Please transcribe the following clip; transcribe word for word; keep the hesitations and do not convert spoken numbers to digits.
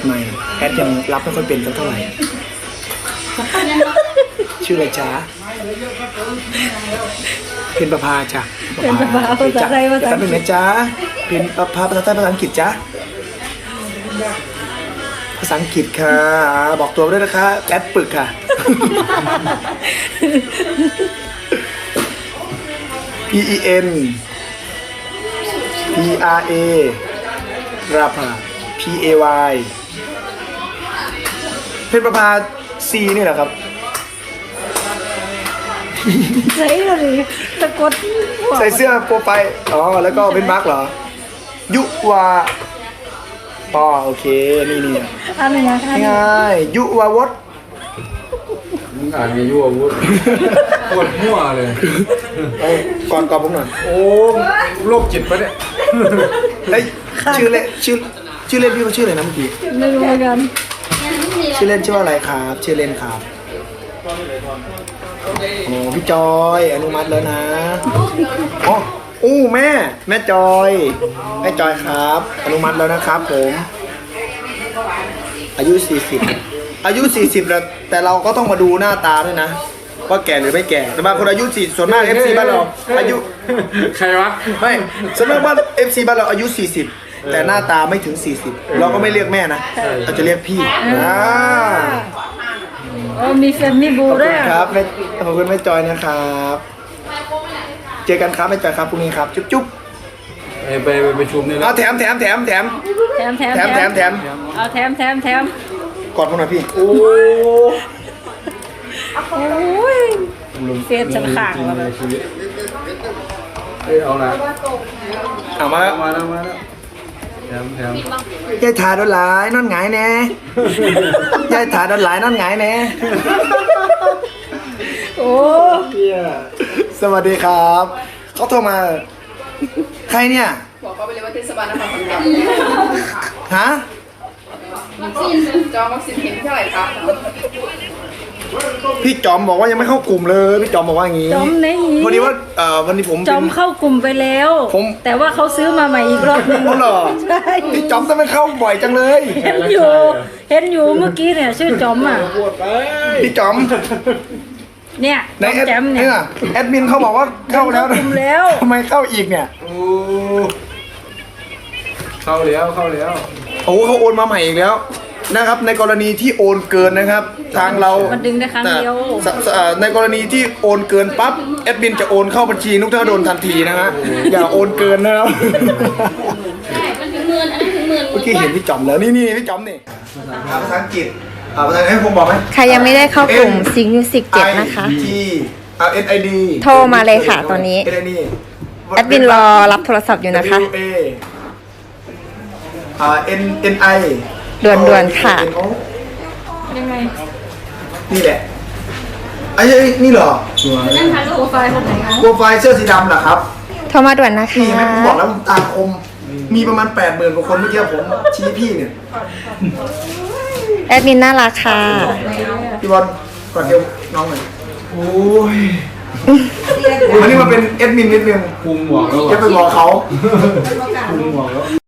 ใหม่แอดยังรับไม่ค่อยเป็นสักเท่าไหร่ชื่ออะไรจ๊ะเป็นประภาจ้ะเป็นประภาภาษาไทยภาษาอังกฤษเป็นไหมจ๊ะเป็นประภาภาษาไทยภาษาอังกฤษจ๊ะภาษาอังกฤษค่ะบอกตัวด้วยนะคะแอดปึกค่ะ P E N P R A ราภา P A Y เป็นประภา C นี่แหละครับใช่เลยตะกดใส่เสื้อโปรไฟล์อ๋อแล้วก็เป็นมาร์กเหรอ ยุวาปอโอเคนี่นี่อันไหนนะคะง่ายยุวาวดมึงอ่านไงยั่ววุ้นปวดมั่วเลยเอาก่อนก่อนผมหน่อยโอ้โรคจิตปะเนี่ยเฮ้ยชื่อเล่นชื่อชื่อเล่นพี่เขาชื่ออะไรนะเมื่อกี้ไม่รู้เหมือนกันชื่อเล่นชื่อว่าอะไรครับชื่อเล่นครับโอ้พี่จอยอนุมัติแล้วนะอ๋ออู้แม่แม่จอยแม่จอยครับ อนุมัติแล้วนะครับผมอายุสี่สิบอายุสี่สิบแล้วแต่เราก็ต้องมาดูหน้าตาด้วยนะว่าแก่หรือไม่แก่แต่บางคนอายุสี่ส่วนมาก เอฟ ซี บ้านเราอายุใครวะไม่ส่วนมากบ้าน เอฟ ซี บ้านเราอายุสี่สิบแต่หน้าตาไม่ถึงสี่สิบเราก็ไม่เรียกแม่นะเราจะเรียกพี่อ่าโอ้มีแฟนมีบูขอบด้คุวยณครับแม่ขอบคุณแม่จอยนะครับเจอกันครับแม่จอยครับพรุ่งนี้ครับจุ๊บจุ๊บไปไปไปประชุมนี่แล้เอาวแถมแถมแถมแถมแถมแถมแถมแถมแถมเอาแถมแถมแถมกอดผมหน่อยพี่โอ้โอ้ยเฟียดฉันขางแล้วในชีวิตเอ้ยเอาละเอามาแล้วมาแล้วมาแล้วแถมแถมยายถาโดนหลายนอนหงายแน่ยายถาโดนหลายนอนหงายแน่โอ้สวัสดีครับเขาโทรมาใครเนี่ยบอกเขาไปเลยว่าเทศบาลนครขอนแก่นฮะจองวัคซีนเข็มเท่าไหร่ครับพี่จอมบอกว่ายังไม่เข้ากลุ่มเลยพี่จอมบอกว่าอย่างงี้จอมไหนอีกวันนี้ว่าเอ่อวันนี้ผมจอมเข้ากลุ่มไปแล้วผมแต่ว่าเขาซื้อมาใหม่อีกรอบหนึงเขาเหรอใช่พี่จอมจะไม่เข้าบ่อยจังเลยเห็นอยู่ เห็นอยู่เมื่อกี้เนี่ยชื่อจอมอ่ะพี่จอมเนี่ยในจอมแอดแจมเนี่เนี่ย ยแอดมินเขาบอกว่าเข้าแล้วเข้ากลุ่มแล้วทำไมเข้าอีกเนี่ยโอ้เข้าแล้วเข้าแล้วโอ้เขาโอนมาใหม่อีกแล้วนะครับ ในกรณีที่โอนเกินนะครับ ทางเรามันดึงได้ครั้งเดียวแต่สเอ่อในกรณีที่โอนเกินปั๊บแอดมินจะโอนเข้าบัญชีนุกธนดลทันทีนะฮะอย่าโอนเกินนะครับใช่ มันถึงหมื่นอันนั้นถึงหมื่นเมื่อกี้เห็นพี่จอมแล้วนี่นี่พี่จอมนี่ภาษาอังกฤษอ่าภาษาอังกฤษให้ผมบอกไหมใครยังไม่ได้เข้ากลุ่มซิงมิวสิกเจ็ดนะคะ T อ่า N I D โทรมาเลยค่ะตอนนี้ N I D แอดมินรอรับโทรศัพท์อยู่นะคะ W A อ่า N N I ด่วนๆค่ะยังไงนี่แหละไอ้ยนี่เหรอนั่นค่ะโปรไฟล์คนไหนคะโปรไฟล์เสื้อสีดำเหรอครับโทรมาด่วนนะนี่คะเห็นไหมผมบอกแล้วผมตาคม มีประมาณแปดหมื่นกว่าคนเมื่อกี้ผมชี้พี่เนี่ยแอดมินน่ารักค่ะพี่บอลกอดเอวน้องหน่อยโอ้ยวันนี้มาเป็นแอดมินนิดนึงคุมหมวกแล้วจะไปบอกเขาคุมหมวกแล้ว